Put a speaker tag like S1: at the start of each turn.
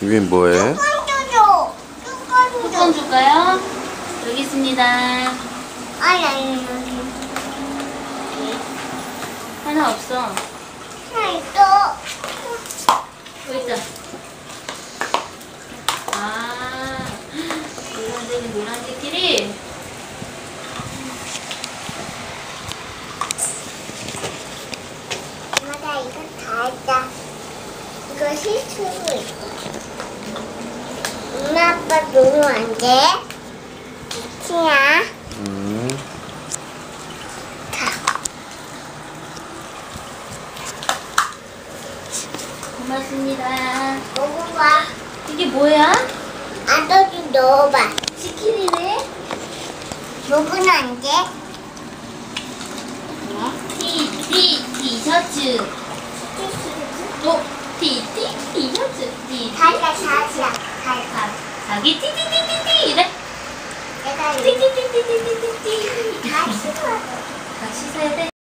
S1: 유빈 뭐해?
S2: 뚜껑 줄까요? 여기 있습니다.
S3: 아니.
S2: 하나 없어.
S3: 하나 있어.
S2: 여기 있다. 아, 노란색이 노란색끼리.
S3: 엄마가 이거 다 했다. 이거 실수로 있어. 엄마 아빠 너무 안 돼. 치야.
S2: 고맙습니다.
S3: 먹어봐.
S2: 이게 뭐야?
S3: 아저씨 넣어봐.
S2: 치킨이네?
S3: 먹으면 안 돼.
S2: 티셔츠. 티셔츠.
S3: 가자.
S2: 자기 띠띠띠띠띠 이래.
S3: 내가
S2: 띠띠띠띠띠띠띠.
S3: 다 싫어.
S2: 같이 사야 돼.